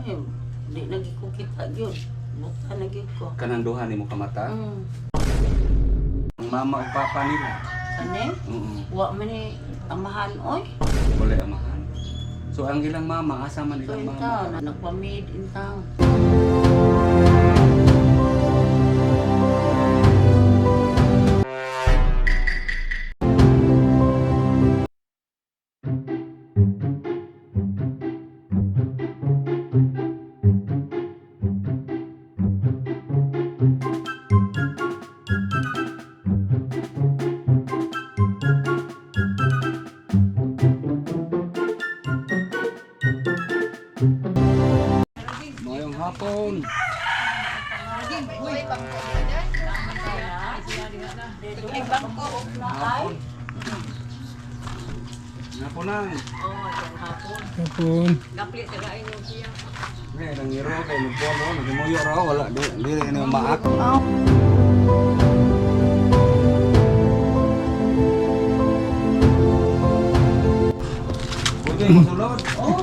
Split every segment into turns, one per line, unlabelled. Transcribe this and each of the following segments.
Ay, di lagi ko kita yun. Bukta lagi ko.
Kanang duha nimo ka mata? Ang mama ug papa nila.
Kani? Wa man ni amahan oy.
Wala amahan. So ang ilang mama, asa man
So
ilang
in town,
mama?
nagpa-made in town.
Mayong hapon. Hapon. Hapon na.
Kapon.
Eh, nangiro kay lupo no, nagimuyo raw wala dili ni maak. Pwede mo sulod.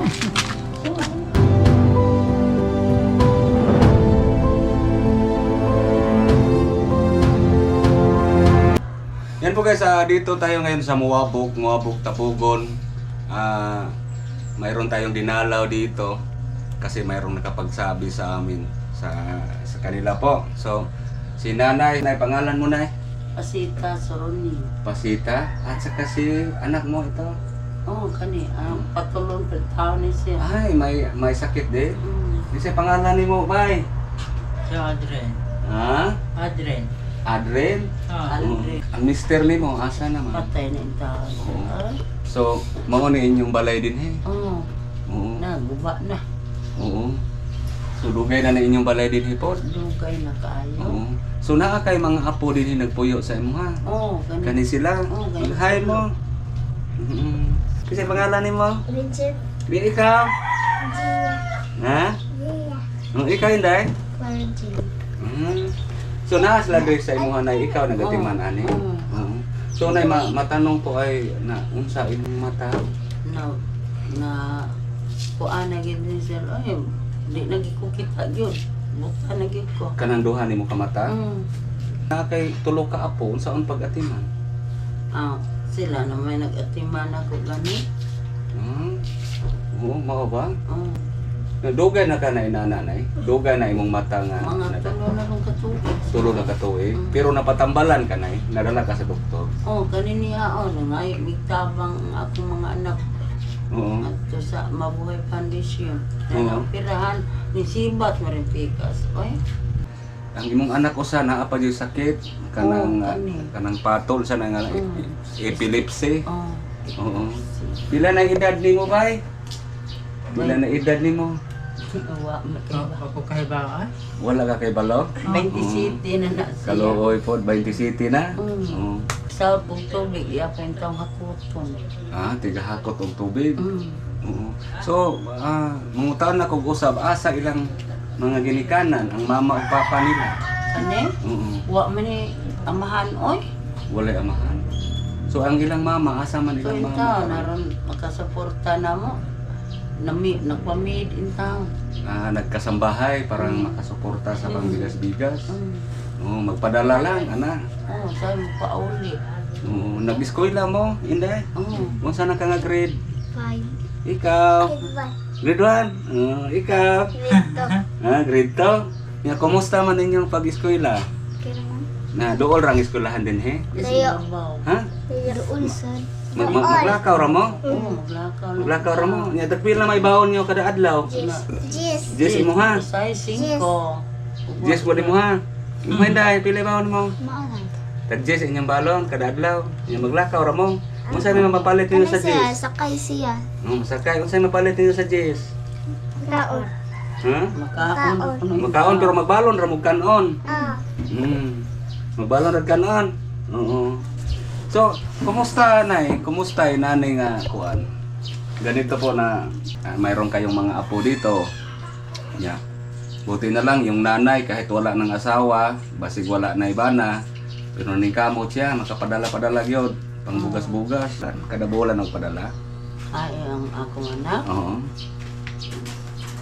Yan po guys, dito tayo ngayon sa Muwabog Tapugon. Mayroon tayong dinalaw dito kasi mayroong nakapagsabi sa amin sa kanila po. So, si Nanay, pangalan mo na
Pasita Soroni.
Pasita, at saka si anak mo ito.
Oh, kani, patulong per taon ni siya.
Ay, may sakit din.
Mm.
Kasi pangalan ni mo, bay.
Si Adren.
Ha?
Adren.
Adren?
Adren.
Ang mister ni mo, asa naman?
Patay na in taon. Ay,
So, mao ni inyong balay din
oh,
Oo.
guba na.
Oo. So, dugay na inyong balay din hipot.
Dugay na kaayo.
Oo. So, naa kay mga apo din nagpuyo sa imo ha?
Oh,
Kani sila?
Oo, kani
Hi
sila.
mo. Kasi pangalan ni mo?
Richard,
Di ikaw?
Gia,
Ha?
Gia,
Ikaw hindi?
Virgin.
So, naa sila din sa imo na ikaw nagatiman ani?
Oo.
Oo. So, nay matanong ko ay na unsa imong mata?
Na kuan na gid ni sir. Ay, di lagi ko kita yun. Bukta lagi ko.
Kanang duha nimo ka mata?
Mm.
Na kay tulo ka apo unsaon pag-atiman?
Sila na may nag-atiman ako gani.
Oo, mao ba?
Oh,
Dugay na ka na inananay. Dugay na imong mata nga.
mga tulo na kong katubig.
Tulo na ka tuig. Pero napatambalan ka na nadala ka sa doktor.
Oh, kani niya ngay migtabang akong mga anak
Oo.
adto sa Mabuhay Foundation.
Oo.
Na pirahan ni Sibat Marimpikas. Oy,
Ang imong anak usa naa pa jud sakit kanang
Oo, kani.
kanang patol sa nga epilepsy.
oh.
Oo. Pila na edad nimo bay? Pila na edad nimo?
Wa makiba.
Ako kahibaan.
Wala ka kay balo?
27 na na siya.
Kaluoy po 20 city na.
Mm.
Oo.
Sa tubig, iya pa yung taong hakuton.
Tiga hakot og tubig.
Mm.
Oo. So, mangutaon na kog usab asa ilang mga ginikanan ang mama ug papa nila.
Kani?
Oo.
Wa man ni amahan oy.
Wala amahan. So ang ilang mama asa man
So
ilang
in town,
mama?
naron makasuporta na mo. Nagpa-made in town.
Nagkasambahay parang makasuporta sa pangbigas-bigas.
Mm.
Oo, magpadala lang ana.
Oh, sa'yo mo pauli.
Oo, nag-eskwela mo, Inday?
Oh,
Unsa na ka nga grade?
5,
Ikaw?
5,
Grade 1? Ikaw? Grade 2? Nga, kumusta man inyong pag-eskwela? Na dool rang eskwelahan din he?
Layo.
Ha?
Doon sad.
Maglakaw ra mo?
Oh, maglakaw na.
Maglakaw ra mo? Nya dagpil na may baon niyo kada adlaw?
Jis.
Jess imo ha?
Say 5.
Jess mo mo ha? Imo Inday, pila baon mo?
Maalan.
Tag Jess inyong balon kada adlaw. Nya maglakaw ra mo? Unsa may mapapalit niyo sa
siya?
Jess?
Sakay siya.
Sakay unsa may mapalit niyo sa Jess?
Kaon.
Ha?
Makaon.
Makaon pero magbalon ra mo kanon.
Ah.
Magbalon ra kanon. Oo. So, kumusta nay? Kumusta nanay nga kuan? Ganito po na mayroon kayong mga apo dito. Yeah. Buti na lang yung nanay kahit wala ng asawa, basig wala na ibana, pero ni kamot siya makapadala-padala gyud pang bugas-bugas kada bulan og padala.
Ay, ang akong anak.
Oo.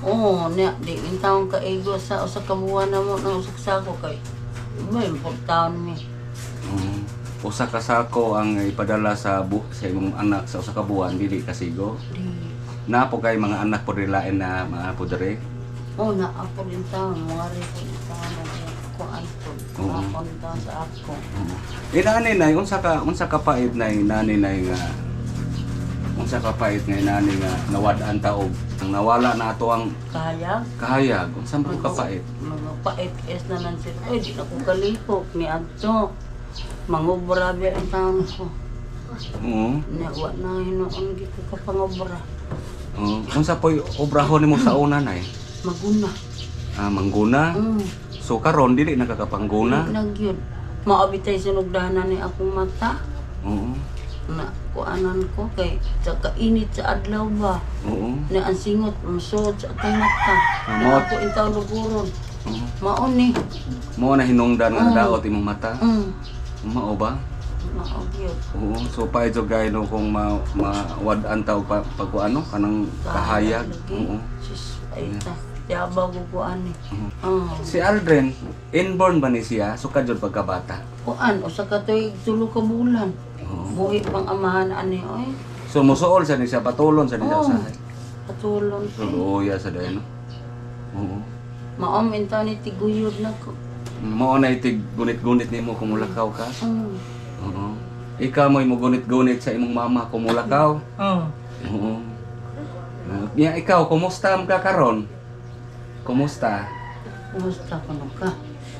Oo, niya, di yung taong kaigo sa usa ka buwan na mo ng usak sako kay may taon mi.
Usa ka sako ang ipadala sa imong anak sa usa ka buwan dili kasigo.
Di,
Na po kay mga anak po rilain na mga po diri.
oo na ako rin taon, mga rin taon na ko anton.
Oo.
Ako rin taon sa ako.
Inani nay unsa ka pait nay nani nay nga unsa ka pait nga nani nga nawad-an taog ang nawala na ato ang
Kaya,
kahayag unsa mo ka pait.
mga pait-es na nan sila. Ay, di na ko kalipok ni Adto. Mangobra ba ang taon ko.
Oo.
Niya, wa na hinoon gito ka pangobra.
Unsa po'y obrahon nimo sa una nay?
Maguna.
Mangguna. So karon dili nakakapangguna.
Nagyod. Maabitay sinugdahanan ni akong mata.
Oo.
Na kuanan ko kay sa kainit sa adlaw ba.
Oo.
Na ang singot musod sa atong mata.
Amot.
Na ako intaw luguron.
Oo.
Maon ni.
Mo na hinungdan nga
Oo.
daot imong mata. Mao ba?
Maagyod.
Oo. So paidyo gay no kung mawad-an taog pag ano kanang kahayag. Oo.
Sis, ay ta. Tiabaw ko kuan ni.
Si Aldrin, inborn ba ni siya? Sukad jud pagkabata.
Kuan usa ka toy tulo ka bulan. Buhi pang amahan ani oy.
So musuol sa ni siya patulon sa ni siya
Oo.
usahay.
Patulon
So
ko.
luya sa dayon. Oo.
Maom intaw ni tiguyod na ko.
Mao na itig gunit-gunit nimo kung mulakaw ka. Oo. Ikaw mo'y mo gunit-gunit sa imong mama kung mulakaw.
Oo.
Oo. Ya ikaw kumusta ka karon? Kumusta?
Kumusta ka no ka?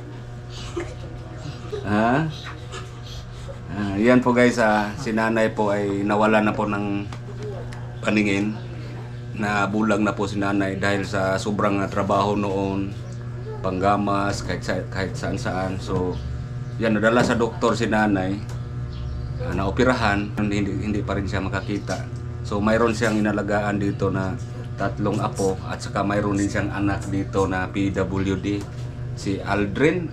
Ha? Yan po guys, si nanay po ay nawala na po ng paningin. Na bulag na po si nanay dahil sa sobrang trabaho noon, panggamas, kahit saan-saan. So, yan, nadala sa doktor si nanay, naoperahan, hindi pa rin siya makakita. So, mayroon siyang inalagaan dito na 3 apo at saka mayroon din siyang anak dito na PWD. Si Aldrin,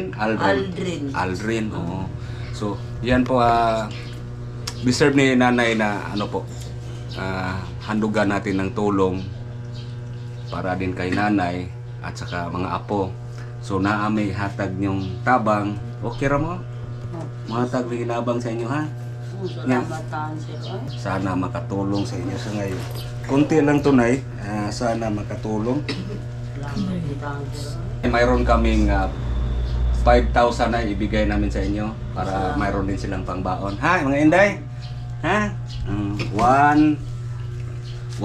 oo. So, yan po, deserve ni nanay na ano po, handugan natin ng tulong para din kay nanay at saka mga apo. So, naamay hatag niyong tabang. Okay ra mo? Mahatag may ginabang sa inyo ha?
Salamatan sila.
Sana makatulong sa inyo sa ngayon. Kunti lang tunay, sana makatulong.
Salamatan sila.
Mayroon kaming 5,000 na ibigay namin sa inyo para mayroon din silang pangbaon. Ha, mga inday? Ha? 1, 2, 3, 4,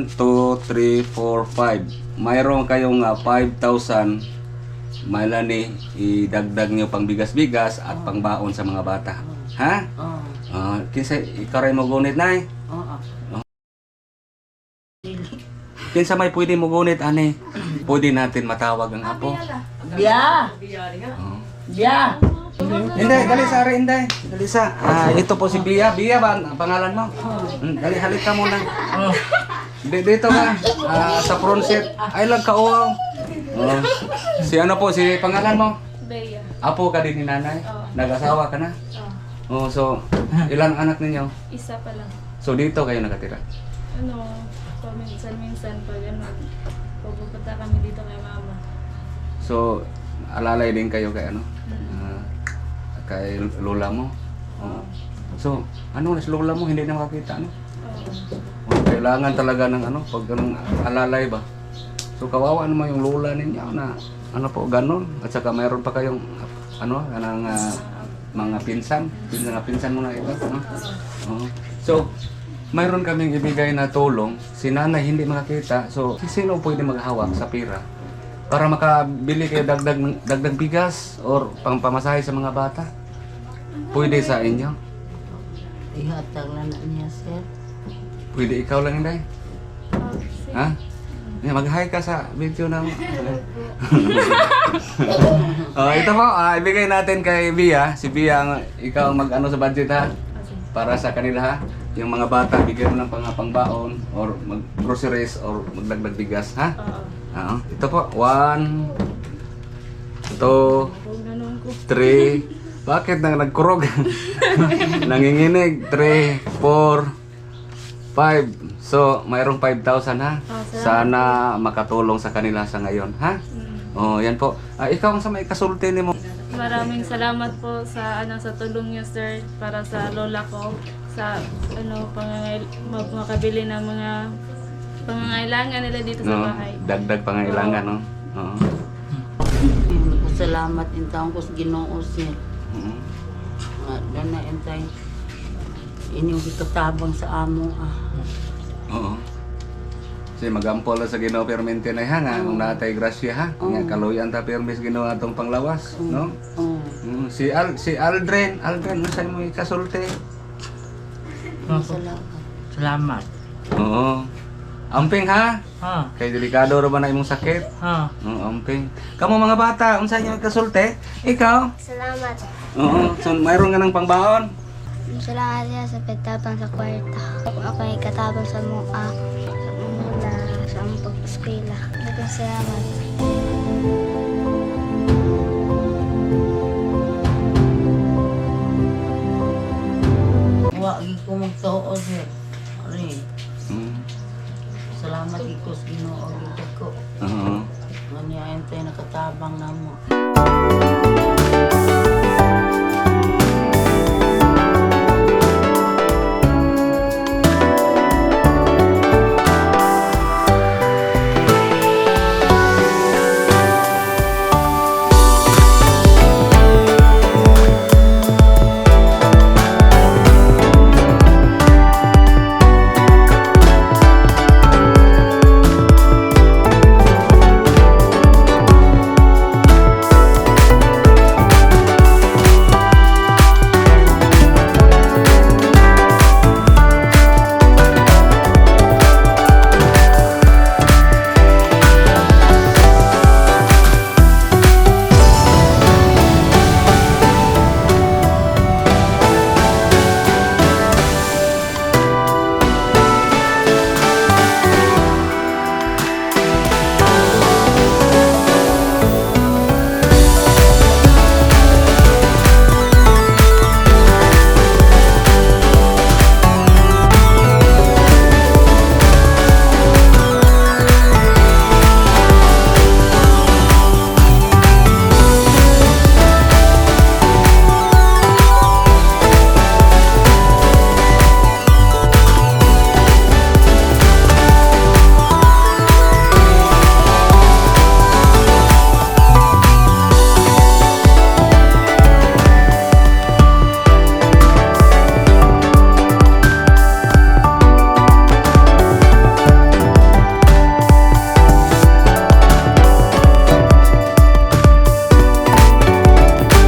5. Mayroon kayong 5,000. Mailani, idagdag nyo pang bigas-bigas at pangbaon sa mga bata. Ha? Kinsa ikaray mo gunit nay? Kinsa may pwede mo gunit ani? Pwede natin matawag ang apo.
Biya! Biya!
Inday, dali sa ari Inday. Dali sa. Ito po si Bia. Bia ba ang pangalan mo? Dali halik ka muna. Dito ka. Sa front seat. Ay lang ka uwaw. Si ano po si pangalan mo?
Bea.
Apo ka din ni nanay? Nag-asawa ka na? So ilang anak ninyo?
Isa pa lang.
So dito kayo nakatira?
Minsan pag pupunta kami dito kay mama.
So alalay din kayo kay ano? Kay lola mo? So ano si lola mo hindi na makakita ano? Kailangan talaga ng ano pag ganung alalay ba? So kawawa naman yung lola ninyo na ano po ganun at saka mayroon pa kayong ano kanang mga pinsan mo na ito no? So mayroon kaming ibigay na tulong si nanay hindi makakita so sino pwede maghawak sa pira para makabili kayo dagdag bigas or pangpamasahe sa mga bata pwede sa inyo
Ihatag lang na niya, sir.
pwede ikaw lang Inday ha? Mag-hi ka sa video na mo. Ito po, ibigay natin kay Bia. Si Bia, ikaw ang mag-ano sa budget ha. Para sa kanila ha. Yung mga bata, bigyan mo ng pangbaon or mag-groceries or magdagdag bigas ha. Ito po, 1, 2, 3. Bakit nang nagkurog? Nanginginig. 3, 4, 5, So, mayroong 5,000 ha?
Oh,
Sana makatulong sa kanila sa ngayon, ha? Oh, yan po. Ikaw ang sa may kasulti ni mo.
Maraming salamat po sa sa tulong niyo, sir, para sa lola ko sa makabili ng mga pangangailangan nila dito sa
No?
bahay.
Dagdag pangailangan, no? Oo.
Salamat in taong ko sa Ginoo sir.
Oo.
Doon na intay. Inyong ikatabang sa amo
Oo. Kasi magampol sa Ginoo permente na ha nga kung natay grasya ha. Nga kaluyan ta permis Ginoo atong panglawas, no? Si Aldrin unsa mo ikasulti?
Salamat.
Salamat.
Oo. Amping ha.
Ha?
Kay delikado ra ba na imong sakit?
Ha?
Oo, amping. Kamo mga bata, unsa inyo ikasulti? Ikaw?
Salamat.
Oo. So mayroon nga ng pangbaon?
Salamat siya sa pagtabang sa kwarta. Ako ay katabang sa mga sa among pag-eskwela. Daghang salamat.
Wa gi ko magtuo sir. Ari,
Mm.
salamat iko sa Ginoo gid ko.
Oo.
Nga niya intay nakatabang namo.